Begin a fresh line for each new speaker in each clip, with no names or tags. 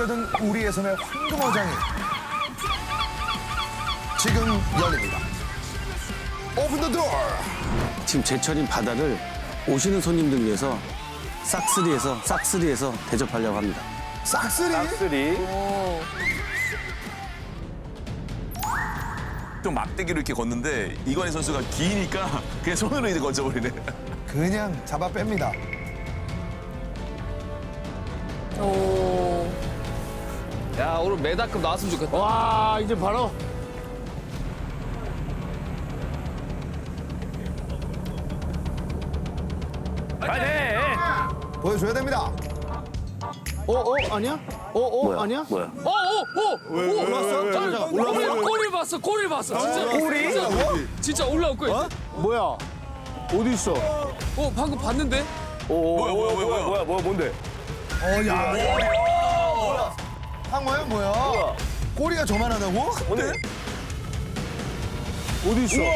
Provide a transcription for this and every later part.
뛰어든 우리의 섬의 황금어장이 지금 열립니다. 오픈 더 도어.
지금 제철인 바다를 오시는 손님들 위해서 싹쓸이해서 대접하려고 합니다.
싹쓸이?
좀 막대기로 이렇게 걷는데 이관희 선수가 기니까 그냥 손으로 이제 건져버리네.
그냥 잡아 뺍니다.
야, 오늘 메다급 나왔으면 좋겠다.
와, 이제 바로.
보여줘야 됩니다.
아니야? 아니야?
뭐야?
꼬리를 봤어, 꼬리를 봤어. 진짜. 꼬리? 진짜 올라올 거야.
뭐야? 어디 있어?
방금 봤는데?
뭐야?
뭔데?
야. 황어야 뭐야? 꼬리가 저만하다고?
뭔데?
어디 있어?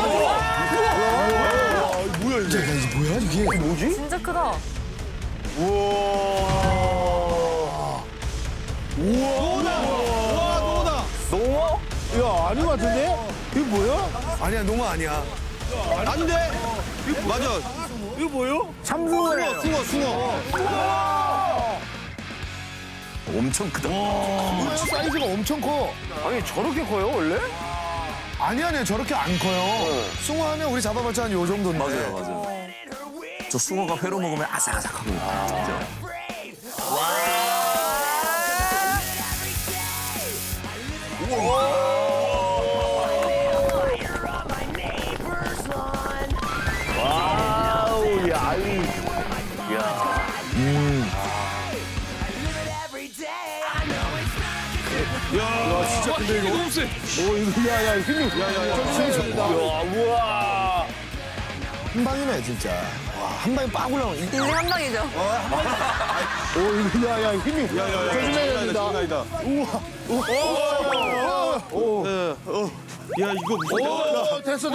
뭐야 이게? 뭐지?
진짜 크다.
농어?
야, 아닌 것 같은데? 이게 뭐야?
아니야 농어 아니야.
아닌데? 맞아.
이거 뭐요?
참숭어예요.
숭어.
엄청 크다.
사이즈가 엄청 커.
아니 저렇게 커요 원래?
아니야 저렇게 안 커요. 숭어 하면 우리 잡아봤자 한 요 정도인데.
맞아요. 저 숭어가 회로 먹으면 아삭아삭하거든요. 진짜.
와우 야 아이
진짜 근데 이거 너무 세.
야, 힘이.
야 우와
한 방이네 진짜. 와, 한 방에 빡 올라오네.
인생 한 방이죠.
야, 힘이. 조심해야 됩니다.
야, 이거 무슨.
됐어.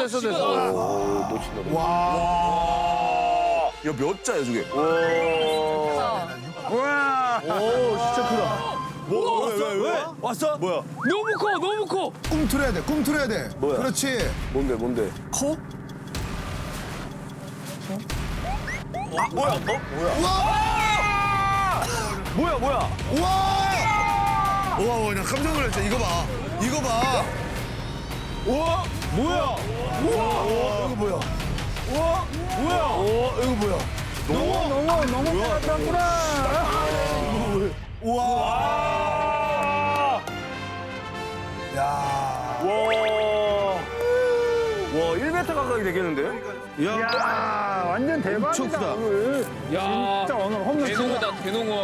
야, 몇 자야, 저게?
오, 진짜 크다.
왜? 왔어? 뭐야?
너무 커.
꿈틀어야 돼.
뭐야?
그렇지.
뭔데?
커?
뭐야
우와, 나 깜짝 놀랐어. 이거 봐.
뭐야? 너무 잘한구나.
야.
와 1m 가까이 되겠는데?
야, 완전 대박이다.
엄청 크다.
오늘.
야,
진짜 오늘 홈런 친다.
대농어다, 대농어.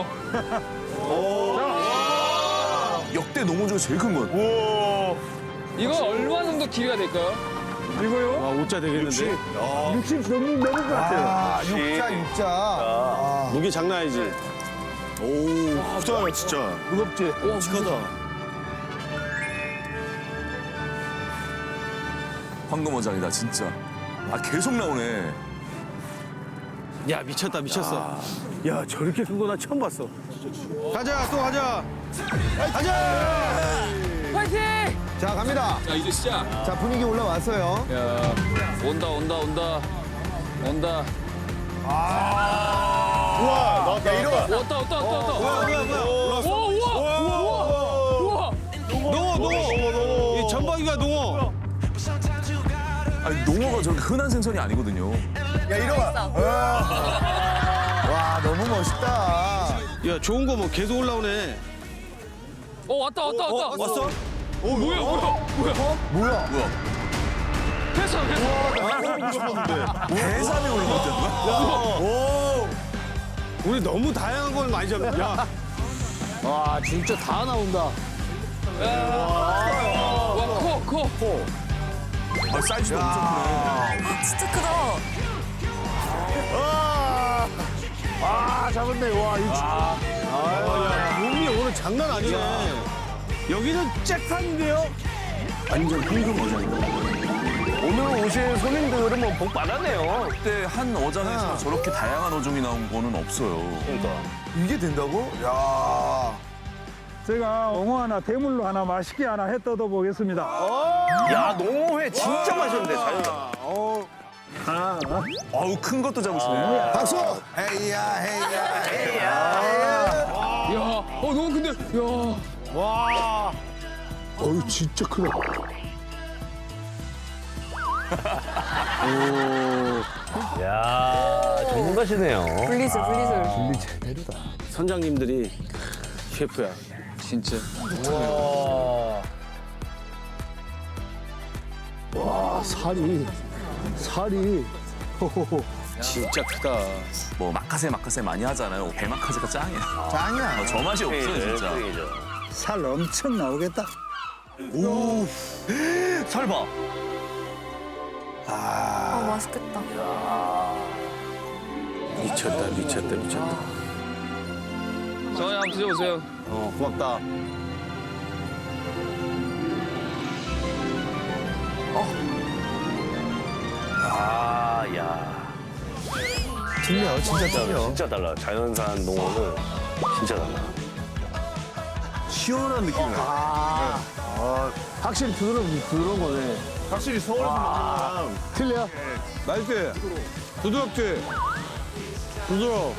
역대 농어 중에 제일 큰 건.
이거 얼마 정도 길이가 될까요?
이거요?
아, 5자 되겠는데?
60 넘을 것 같아요.
아, 육자. 아.
무게 장난 아니지? 오, 크다, 진짜.
무겁지?
묵직하다.
황금어장이다, 진짜. 아, 계속 나오네.
야, 미쳤어.
야, 저렇게 큰 거 나 처음 봤어.
가자, 또 가자.
파이팅!
자, 갑니다.
자, 이제 시작.
자, 분위기 올라왔어요.
야, 온다.
야, 이러.
왔다.
뭐야.
우와.
농어. 이 전방위가 농어.
아니, 농어가 저렇게 흔한 생선이 아니거든요.
야, 이러. 와, 너무 멋있다.
야, 좋은 거 뭐 계속 올라오네.
왔다.
왔어?
뭐야?
회사.
해삼이 올라왔다는
우리 너무 다양한 걸 많이 잡네. 야,
와, 진짜 다 나온다.
와, 커.
아, 사이즈도 엄청 크네.
진짜 크다.
아, 잡았네. 와, 이
몸이 오늘 장난 아니네. 여기는 잭판인데요?
완전 황금어장이다.
오늘 오신 손님들은 뭐 복 받았네요.
그때 한 어장에서 저렇게 다양한 어종이 나온 거는 없어요.
그러니까.
이게 된다고? 야.
제가 엉어 하나 대물로 하나 맛있게 하나 해 뜯어 보겠습니다.
야, 농어회 진짜 맛있는데, 자연산.
아우 큰 것도 잡으시네.
박수! 헤이야, 헤이야, 헤이야.
야, 너무 근데, 야.
어우, 진짜 크다.
야, 전문가시네요.
분리술, 분리술.
선장님들이 셰프야.
진짜.
와, 살이. 호호호.
진짜 크다.
뭐 마카세 많이 하잖아요. 배 마카세가 짱이야.
짱이야.
저 맛이 없어요 진짜.
살 엄청 나오겠다.
살 봐.
아, 맛있겠다.
미쳤다.
정원이 한번 드셔보세요.
고맙다.
아, 야.
틀려, 진짜 틀려.
진짜 달라. 자연산 농어는 진짜 달라.
시원한 느낌이 나.
확실히 부드러운 거네.
확실히 서울에서 먹는 거랑
틀려?
맛있지? 부드럽지? 부드러워.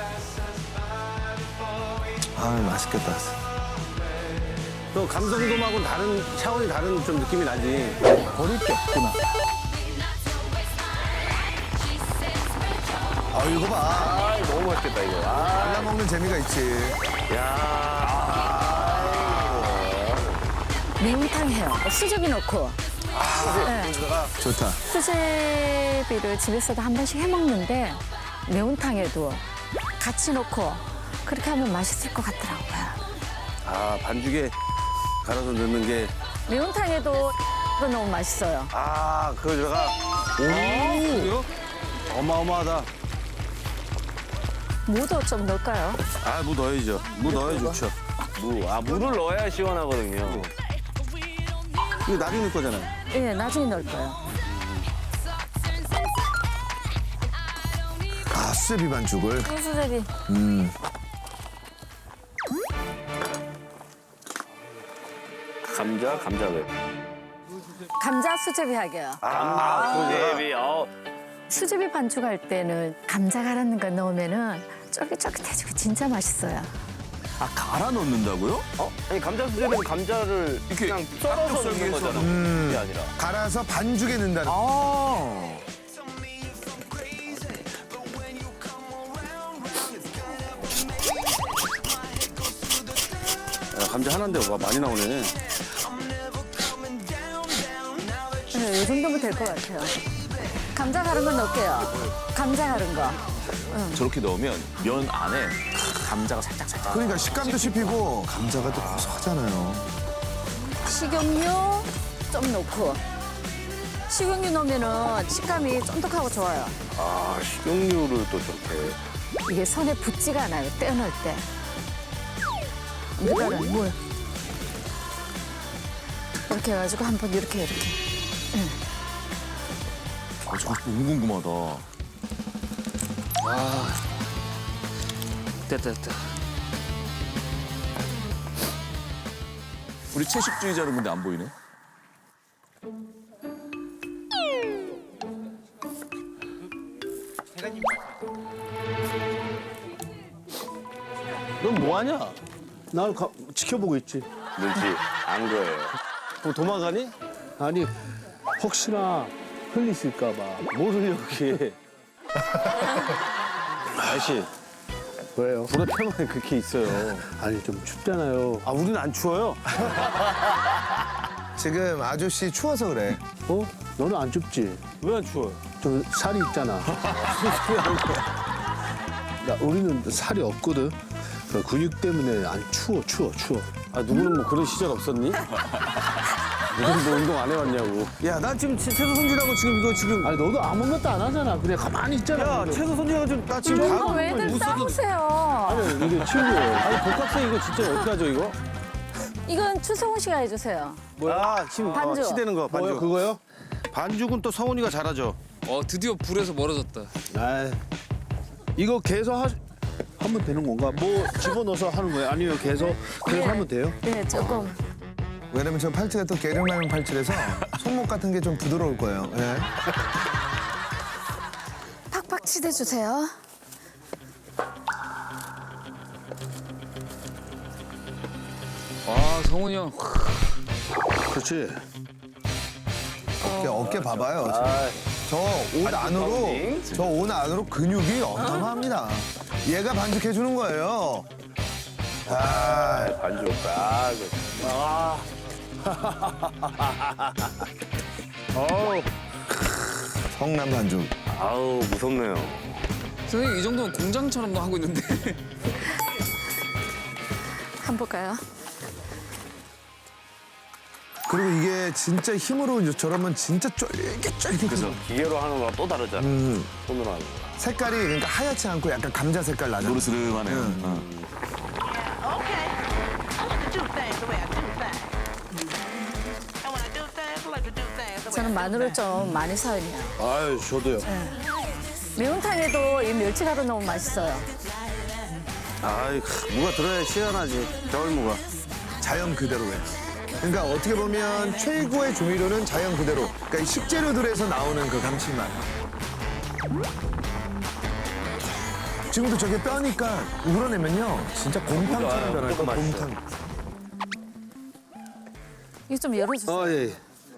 아, 맛있겠다.
또 감성돔하고는 다른 차원이 다른 좀 느낌이 나지.
버릴 게 없구나.
아, 이거 봐.
아, 너무 맛있겠다, 이거. 아,
발라 먹는 재미가 있지.
야.
매운탕 해요. 수제비 넣고. 네.
좋다.
수제비를 집에서도 한 번씩 해 먹는데 매운탕에도 같이 넣고 그렇게 하면 맛있을 것 같더라고요.
아, 반죽에 갈아서 넣는 게,
매운탕에도 이거 너무 맛있어요.
아, 그거 들어가.
그래요?
어마어마하다.
무도 좀 넣을까요?
아, 무 넣어야죠. 무 넣어야 좋죠.
물을 넣어야 시원하거든요.
이거 나중에 넣을 거잖아요.
예, 나중에 넣을 거예요.
아, 수제비 반죽을.
수제비.
감자회.
감자 수제비 하게요.
수제비.
수제비 반죽할 때는 감자 갈아는 거 넣으면은 쫄깃쫄깃해지고 진짜 맛있어요.
아 갈아 넣는다고요?
아니, 감자 수제비는 감자를
이렇게
그냥 썰어서 넣는 거잖아. 그게 아니라.
갈아서 반죽에 넣는다는.
야, 감자 하나인데 와, 많이 나오네.
네, 이 정도면 될 것 같아요. 감자 갈은 거 넣을게요. 감자 갈은 거.
저렇게 넣으면 면 안에 감자가 살짝.
그러니까 식감도 씹히고 감자가 또 고소하잖아요.
식용유 좀 넣고. 식용유 넣으면은 식감이 쫀득하고 좋아요.
아, 식용유를 또 저렇게.
이게 손에 붙지가 않아요. 떼어놓을 때. 물에는 물. 이렇게 해가지고 한번 이렇게.
아 저거 너무 궁금하다.
됐다.
우리 채식주의자는 근데 안 보이네.
넌 뭐하냐? 난 지켜보고 있지.
눈치 안 거예요.
뭐 도망가니? 아니, 혹시나 흘리실까봐. 뭘 흘려, 그게. 아저씨.
왜요?
불의 폐만에 그렇게 있어요.
아니, 좀 춥잖아요.
아, 우리는 안 추워요?
지금 아저씨 추워서 그래.
어? 너는 안 춥지?
왜 안 추워요?
좀 살이 있잖아. 야, 우리는 살이 없거든. 그 근육 때문에 안 추워.
아, 누구는 뭐 그런 시절 없었니? 누구는 뭐 운동 안 해왔냐고. 야, 난 지금 채소 손질하고 지금
아니, 너도 아무것도 안 하잖아. 그냥 가만히 있잖아.
야,
근데.
채소 손질하고 나 지금
이거
다
왜들 싸우세요?
아니, 이게 친구예요.
아니, 복합생 이거 진짜 어떻게 하죠, 이거?
이건 추성훈 씨가 해주세요.
뭐야? 지금
반죽.
치대는 거, 반죽.
뭐요, 그거요?
반죽은 또 성훈이가 잘하죠.
드디어 불에서 멀어졌다.
아, 이거 계속 하면 되는 건가? 뭐 집어넣어서 하는 거예요? 아니면 계속 하면 돼요?
네, 조금.
왜냐면 저 팔찌가 또 계량라면 팔찌라서 손목 같은 게 좀 부드러울 거예요. 예.
팍팍 치대주세요.
아 성훈이 형.
그렇지.
어깨 봐봐요. 저 옷 안으로 저 옷 안으로 근육이 어마어마합니다. 얘가 반죽해 주는 거예요.
반죽.
성남 반죽.
아우, 무섭네요.
선생님 이 정도면 공장처럼도 하고 있는데.
한번 볼까요?
그리고 이게 진짜 힘으로 이제 저러면 진짜 쫄깃쫄깃.
그래서
기계로 하는 거랑 또 다르잖아. 손으로 하는 거.
색깔이 그러니까 하얗지 않고 약간 감자 색깔 나잖아.
노르스름하네요.
Okay. I like to do things the way I do things. And when I do things, I like to do things the way
저는 마늘을 좀 많이 사용해요.
아유, 저도요.
매운탕에도 이 멸치가루 넣으면 맛있어요.
아이, 무가 들어야 시원하지. 겨울무가.
자연 그대로 해. 그러니까 어떻게 보면 최고의 조미료는 자연 그대로. 그러니까 이 식재료들에서 나오는 그 감칠맛. 지금도 저게 뼈니까 우러내면요. 진짜 곰탕처럼 변할 거야, 곰탕.
이거 좀 열어주세요.
예.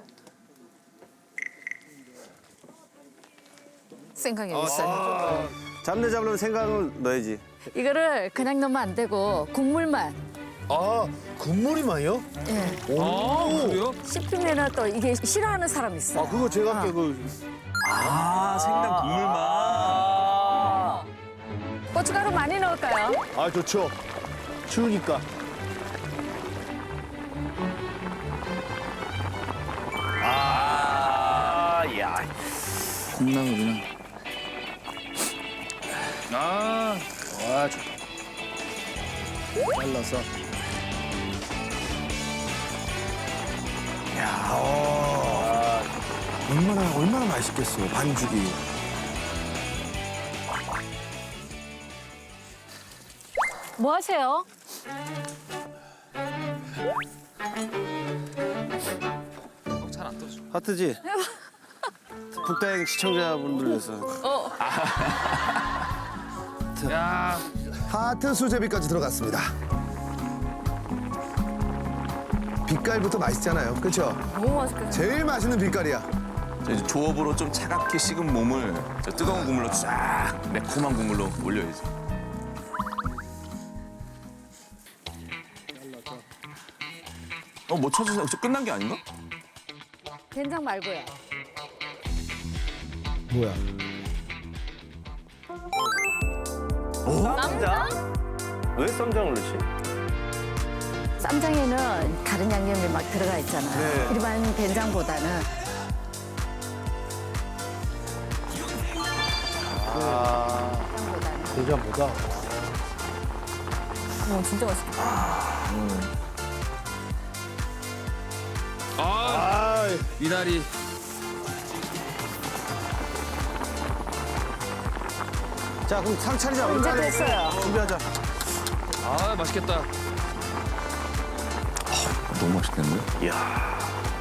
생강이 여기 있어요.
잡내 잡으려면 생강을 넣어야지.
이거를 그냥 넣으면 안 되고 국물만.
아, 국물이만요?
예.
아 그래요?
씹히면은 또 이게 싫어하는 사람 있어.
아, 그거 제가 할게.
아, 생강 국물만.
고춧가루 많이 넣을까요?
아, 좋죠. 추우니까.
아, 야.
콩나물이나. 아
와, 좋다. 잘라서.
얼마나 맛있겠어, 반죽이.
뭐 하세요?
잘안 떠줘.
하트지? 북다행 시청자분들 위해서.
야
하트 수제비까지 들어갔습니다. 빛깔부터 맛있잖아요, 그렇죠?
너무 맛있겠네.
제일 맛있는 빛깔이야.
저 이제 조업으로 좀 차갑게 식은 몸을 저 뜨거운 국물로 쫙 매콤한 국물로 올려야지. 뭐 쳐주세요. 저 끝난 게 아닌가?
된장 말고요.
뭐야?
쌈장? 왜 쌈장을 넣지?
쌈장에는 다른 양념이 막 들어가 있잖아요. 일반 된장보다는.
된장보다.
진짜 맛있겠다.
아 미나리.
자, 그럼 상 차리자. 우리
이제
빨리
됐어요.
준비하자.
아 맛있겠다.
너무 맛있겠는데?
이야.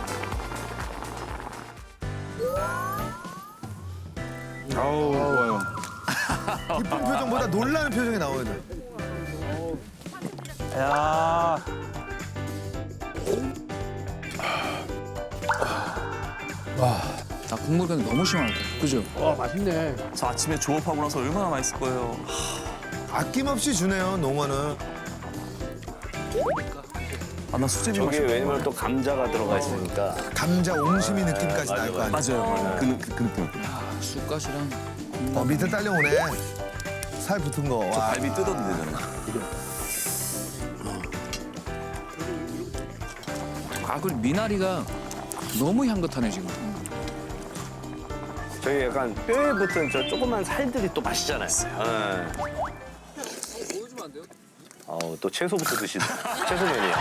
아우, 좋아요.
기쁜 표정보다 놀라는 표정이 나와야 돼.
야.
아 국물 근데 너무 시원하다. 그죠?
와, 맛있네.
저 아침에 조업하고 나서 얼마나 맛있을 거예요.
아낌없이 주네요, 농어는.
아, 나 수제비
저게
맛있어.
왜냐면 또 감자가 들어가 있으니까.
감자 옹심이 느낌까지 날 거 아니야.
맞아요. 그 느낌.
쑥갓이랑.
밑에 딸려오네. 살 붙은 거.
저
와.
갈비 뜯어도 되잖아.
아 그리고 미나리가 너무 향긋하네 지금.
저희 약간 뼈에 붙은 저 조그만 살들이 또 맛있잖아요. 예.
보여주면 안 돼요?
아우, 또 채소부터 드시네. 채소면이야.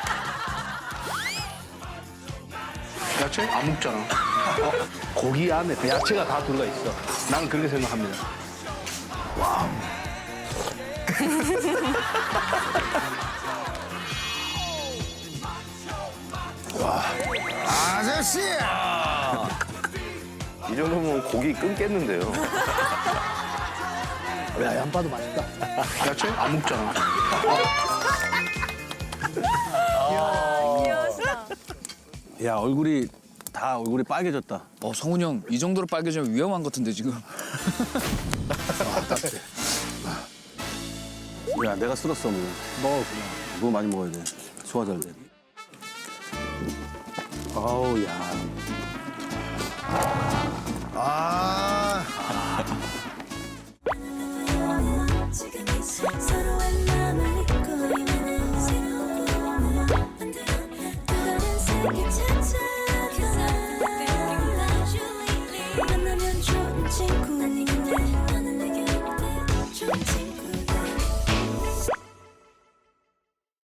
야채 안 먹잖아. 고기 안에 그 야채가 다 들어가 있어. 나는 그렇게 생각합니다.
아저씨!
이 정도면 고기 끊겠는데요.
야, 양파도 맛있다.
야채 안 먹잖아.
야, 얼굴이 빨개졌다.
성훈이 형 이 정도로 빨개지면 위험한 것 같은데 지금.
야, 내가 쓸었어, 뭐. 뭐 많이 먹어야 돼. 소화 잘 돼. 아우, 야.
아,